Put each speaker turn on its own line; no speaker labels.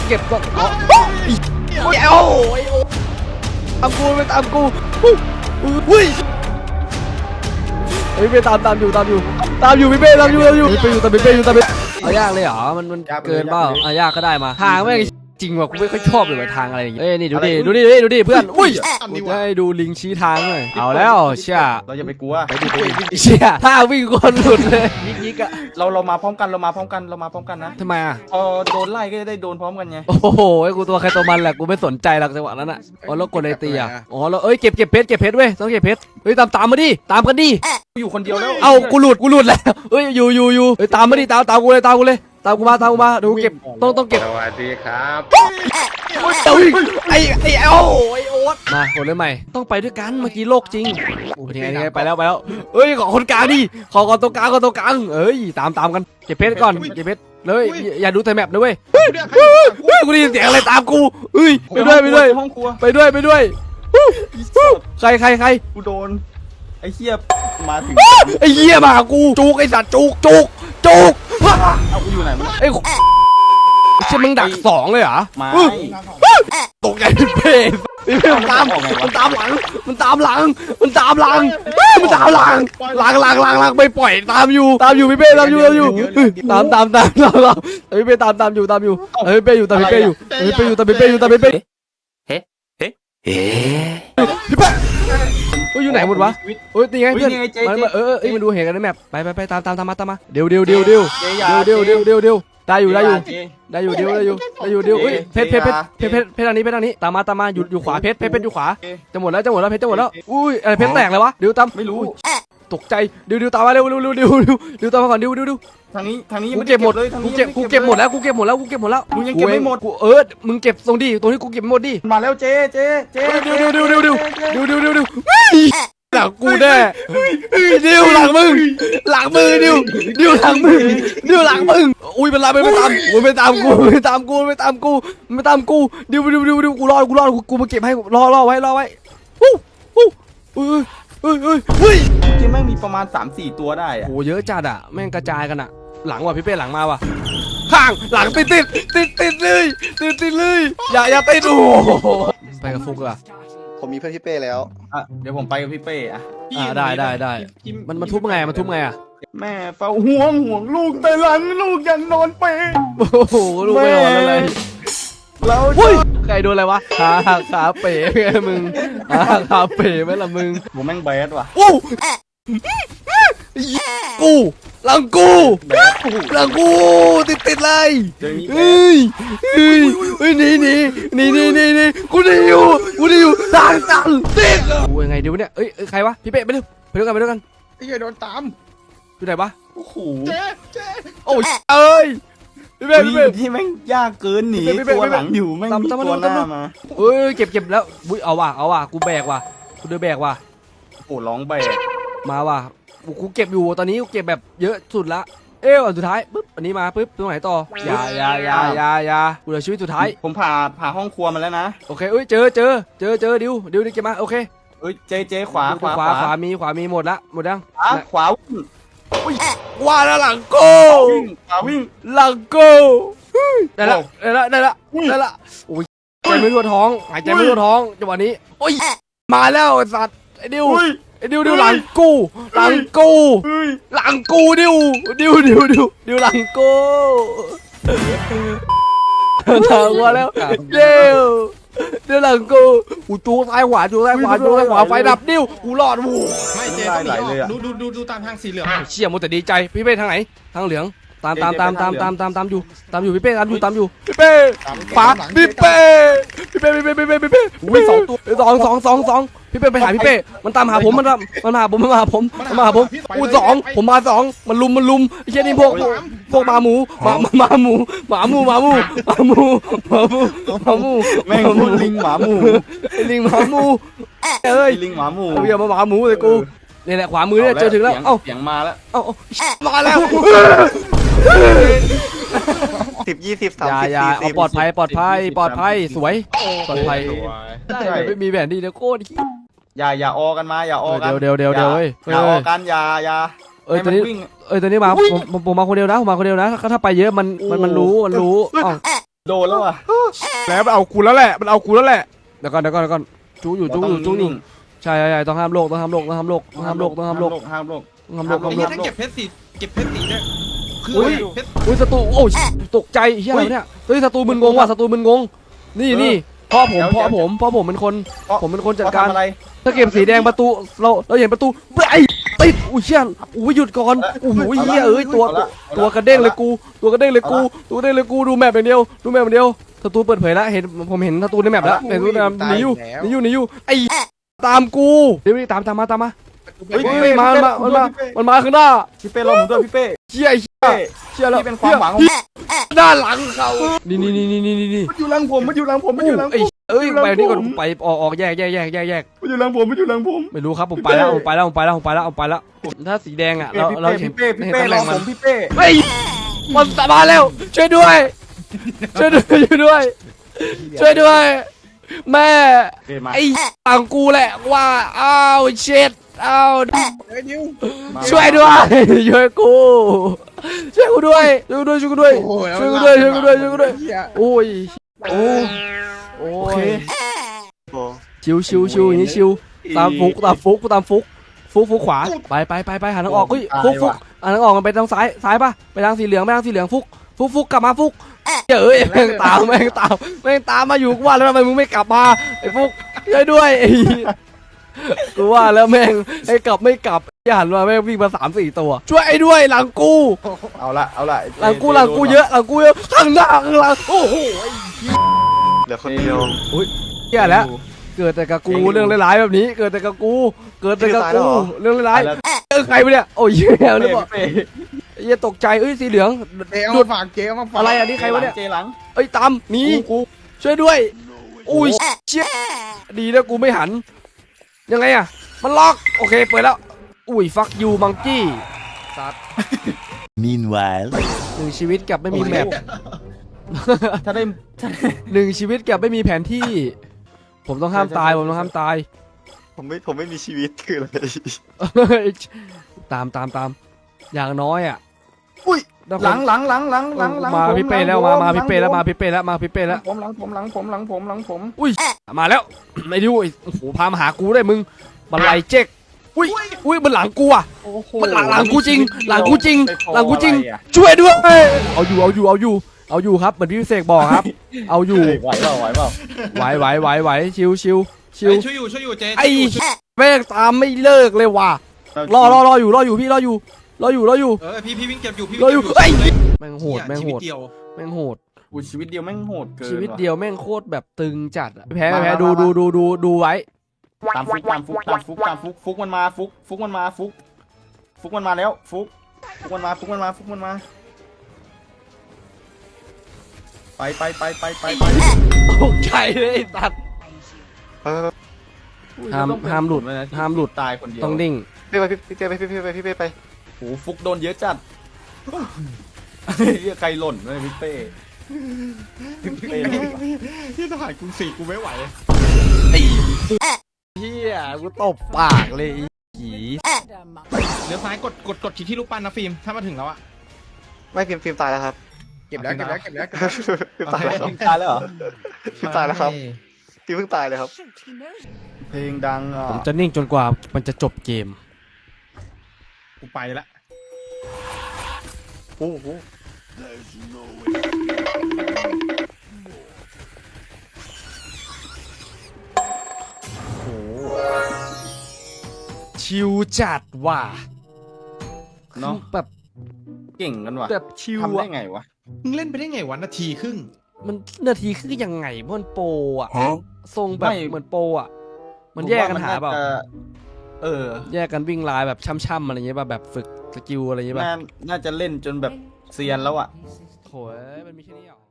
เก็บก็โอ้ยตามกูไปตามกูอุ้ยพี่เป้ตามอยู่พี่เป้ตามอยู่พี่เป้อยู่ตามพี่เป้เอายากเลยเหรอมันเกินเปล่ายากก็ได้มาทางไม่จริงว่ะกูไม่ค่อยชอบเลยทางอะไรอย่างเงี้ยนี่ดูดิเพื่อนอุ้ยให้ดูลิงชี้ทางเลยเอาแล้วเชี่ย
เราอย่าไปกลัวไปดิ
เชี่ยถ้าวิ่งคนหลุดเลยยิกอะ
เรามาพร้อมกันนะ
ทำไมอะ
พอโดนไล่ก็จะได้โดนพร้อมกันไง
โอ้โหกูตัวใครตัวมันแหละกูไม่สนใจหรอกจังหวะนั้นอะอ๋อแล้วกดเลยตีอะอ๋อแล้วเก็บเพชรเว้ยต้องเก็บเพชรเฮ้ยตามมาดิตามกันดิ
อยู่คนเดียวแล้ว
เอากูหลุดแล้วเฮ้ยอยู่เฮ้ยตามมาดิตามกูเลยตามกูมาดูเก็บต้องเก็บ
สวัสดีครับ
ไอ้โอ๊ตมาคนเลยใหม่ต้องไปด้วยกันเมื่อกี้โลกจริงโอ้ยไงไปแล้วเฮ้ยขอคนกลางดิขอตรงกลางเอ้ยตามกันเก็บเพชรก่อนเก็บเพชรเลยอย่าดูแต่แมปนะเว้ยกูได้ยินเสียงอะไรตามกูเฮ้ยไปด้วย
ห้องครัว
ไปด้วยใคร
กูโดนไอ้เหี้ยมาถึง
ไอ้เหี้ยมากูจุกไอ้สัตว์จุก
เอากูอยู่ไหนไ
อ้เชี่ยมึงดัก2เลยเหรอ
มา
ตกใจเป็นเพศมันตามหลังไม่ปล่อยตามอยู่พี่เป้ตามอยู่ตามพี่เป้ตามอยู่พี่เป้อยู่พี่เป้อยู่ไหนหมดวะตีไงเพื่อนมันดูเห็นกันในแมปไปตามมาเดี๋ยวได้อยู่เพชรอันนี้ตามมาอยู่ขวาเพชรอยู่ขวาจะหมดแล้วเพชรจะหมดแล้วอุ้ยอะไรเพชรแตกเลยวะเดี๋ยวตาม
ไม่รู้
ตกใจเดี๋ยวตามมาเร็วตามมาก่อนเดี๋ยว
ทางนี้
กูเก็บหมดเลยกูเก็บหมดแล้วมึง
ยังเก็บไม่หมด
มึงเก็บตรงที่กูเก็บหมดดิ
มาแล้วเจ๊
เดี๋ยวหลังกูแน่ดิวหลังมึงดิวหลังมึงอุ้ยเป็นไรไม่ตามกูดิวกูรอกูมาเก็บให้รอไว้
เจ๊แม่งมีประมาณ 3-4 ตัวได้อะ
โหเยอะจัดอะแม่งกระจายกันอะหลังว่ะพี่เป้หลังมาว่ะข้างหลังติดเลยอย่าติดโอ้ไปกับฟุกอะ
ผมมีเพื่อนพี่เป้แล้ว
เดี๋ยวผมไปกับพี่เป้อะ
ได้มันทุบไงอะ
แม่เฝ้าห่วงลูกแต่หลังลูกยังนอนเปย์
โอ้โหลูกไม่นอนอะไร
เรา
ใครโดนอะไรวะขาเป๋ไงมึงขาเป๋ไหมล่ะมึง
ผมแม่งแบดว่ะ
กูหลังกูติดเลยเฮ้ยนี่กูได้อยู่ทางตันติดโอ้ยไงเดี๋ยวเนี่ยใครวะพี่เป้ไปด้วยกัน
ไอ้เหี้ยโดนตาม
อยู่ไหนวะ
โอ้โห
โอ้ยเอ้ยพี่เป้
ที่แม่งยากเกินหนีตัวหลังอยู่แม่งมีตัวหน้ามา
เก็บแล้วเอาว่ะกูแบกว่ะกูเดินแบกว่ะ
โอ้ร้องแบก
มาว่ะกูเก็บอยู่ตอนนี้กูเก็บแบบเยอะสุดละอันสุดท้ายปุ๊บอันนี้มาปุ๊บตรงไหนต่ออย่ากูเหลือชีวิตสุดท้าย
ผมผ่าห้องครัวมาแล้วนะ
โอเคเจอดิวเก็บมาโอเค
เจขวา
มีหมดยัง
ขวา
ว่าแล้วหลังโก้
วิ่ง
หลังโก้ได้ละโอ้ยใจไม่ทั่วท้องหายใจไม่ทั่วท้องจังหวะนี้โอ้ยมาแล้วไอ้สัตว์ไอ้ดิวหลังกูดิวหลังกูหลังกูทางมาแล้วเดี๋ยวหลังกูตัวซ้ายขวาไฟดับดิวกูรอด
ไม่เจ๊ต้องหนีดูตามทางสีเหลือง
เชี่ยมุแต่ดีใจพี่เป้ทางไหนทางเหลืองตามอยู่พี่เป้ตามอยู่พี่เป้ขวาพี่เป้
วิ่ง2 ตัว
2พี่เป้ไปหาพี่เป้มันตามหาผมมันมาหาผมกู2ผมมา2มันลุมไอ้เชี่ยนี่พวกหมาหมู
แม่งลิงหมาหมู
ลิงหมาหมูอย่ามาหมาหมูเลยกูนี่แหละขวามือเนี่ยเจอถึงแล้ว
เสียงมาแล้ว
มาแล้ว
10 20 30
40ปลอดภัยสวยปลอดภัยไม่มีแผนดีเดี๋ยวโคตร
อย่าออกันมาอย่าออกัน
เดี๋ยวอย่
าออกันอย่า
ตอนนี้มาผมมาคนเดียวนะถ้าไปเยอะมันรู้
โดนแล้วอ่ะ
แล้วมันเอากูแล้วแหละมันเอากูแล้วแหละเดี๋ยวก่อนจูอยู่ใช่ต้องห้ามโลกต้องห้ามโลกห้ามโลก
ห้ามโลก
ถ้าเก็บเพชรสีเนี่ยคือ เพชร
อุ้ยศัตรูโอ้ยตกใจเฮียอะไรเนี่ยเฮ้ยศัตรูมึนงงว่ะศัตรูมึนงงนี่พ่อผมเป็นคนผมเป็นคนจัดการ
อะไร
ถ้าเก็บสีแดงประตูเราเห็นประตูไอ้ติดอุ้ยเชี่ยอุ้ยหยุดก่อนโอ้โหเฮียเอ้ยตัวกระเด้งเลยกูดูแมปอย่างเดียวศัตรูเปิดเผยแล้วผมเห็นศัตรูในแมปแล้วเห็นศัตรูหนีอยู่ไอ้ตามกูเดี๋ยวตามมามันมาข้างหน้า
พี่เป้รอผมด้วยพี่เป้
เชี่ยแล้ว
พี่เป็นความหวังของ
ด้านหลังเขานี่
มันอยู่หลังผม
ไอ้เอ้ยไปนี่ก่อนไปออกแยก
มันอยู่หลังผม
ไม่รู้ครับผมไปแล้วถ้าสีแดงอ่ะเราเห็น
พี่เป้รอผมพี่เป้
เฮ้ยมันมาแล้วช่วยด้วยแม่ไอ้ต่างกูแหละว่าอ้าวเช็ดอ้าวช่วยด้วยช่วยกูด้วยโอ้ยโอเค
โอ้
ชิวอย่างนี้ชิวตามฟุกขวาไปหาทางออกเฮ้ยฟุกหาทางออกมันไปทางซ้ายป่ะไปทางสีเหลืองฟุกกลับมาฟุกเอ้ยแม่งตามมาอยู่กูว่าแล้วทำไมมึงไม่กลับมาไอ้ฟุกช่วยด้วยกูว่าแล้วแม่งไอ้กลับไม่กลับหันมาแม่งวิ่งมา3-4ตัวช่วยไอ้ด้วยหลังกู
เอาละ
หลังกูเยอะข้างหน้าข้างหลังโอ้โห
เหลือคนเดียว
เหี้ยแล้วเกิดแต่กับกูเรื่องร้ายๆแบบนี้เกิดแต่กับกูเรื่องร้ายใครไปเนี่ยโอ้ยเหี้ยเลยบอกเหี้ยตกใจสีเหลือง
ดูดฝากเจ๊มาฝาก
อะไรอันนี้ใครวะเนี่ย
เจ๊หลัง
ตามหนีช่วยด้วยอุ้ยเชี่ยดีนะกูไม่หันยังไงอะมันล็อกโอเคเปิดแล้วอุ้ยฟักยูมังกี้สัตว์
Meanwhile
1 ชีวิตกับไม่มีแมป
ถ้าได้
1 ชีวิตกับไม่มีแผนที่ ผมต้องห้ามตาย
ผมไม่มีชีวิตคืออะไร
ตามอย่างน้อยอ่ะ
อุ้ยหลัง
มาพี่เป้แล้วมาพี่เป้แล้ว
ผมหลังผม
อุ้ยมาแล้วไม่ดูโอ้โหพามาหากูได้มึงบันไลเจ๊กอุ้ยมันหลังกูอ่ะมันหลังกูจริงช่วยด้วยเอาอยู่ครับเหมือนพี่เสกบอกครับเอาอยู่
ไหวเปล่า
ไหวชิว
ช่วยอยู่เจ๊
ไอ้แม่งตามไม่เลิกเลยว่ะรออยู่พี่รออยู่
พี่วิ่งเก็บอยู่พี่
ไอ้แม่งโหด
ชีวิตเดียว
อุ้ยชีวิตเดียวแม่งโหดเกิน
ชีวิตเดียวแม่งโคตรแบบตึงจัดแพ้ดูไว้
ตามฟุกมันมาฟุกมันมาแล้วฟุกมันมาไป
ตกใจเลยตัด ห้ามหลุด
ตายคนเดียว
ต้องดิ่ง
พี่เป้ไป
โอ้ฟุกโดนเยอะจัดใครหล่นเลยพี่เป้ที่ทหารกรุงศรีกูไม่ไหว
เฮียกูตบปากเลยผี
เลี้ยวซ้ายกดที่รูปปั้นนะฟิล์มถ้ามาถึงแล้วอะ
ไม่ฟิล์มตายแล้วครับ
เก็บแล้ว
ฟิล์มตายแล้ว
ตายแล้วเหรอ
ฟิล์มตายแล้วครับฟิล์มเพิ่งตายเลยครับ
เพลงดังอ่ะ
ผมจะนิ่งจนกว่ามันจะจบเกม
กูไปละ
โอ้โห
ชิวจัดว่ะ
เนาะ
แบบ
เก่งกันว่ะ
แบบชิว
ทำได้
อะ
ไงวะ
มึงเล่นไปได้ไงวันนาทีครึ่ง
มันนาทีคือยังไงมันโปรอะทรงแบบเหมือนโปรอะมันแยกกันหาเปล่า แยกกันวิ่งลายแบบช่ำๆอะไรเงี้ยแบบฝึกสกิลอะไรเงี้ยป่ะ
น่าจะเล่นจนแบบเซียนแล้วอ่ะ
โถยมันมีแค่นี้หรอ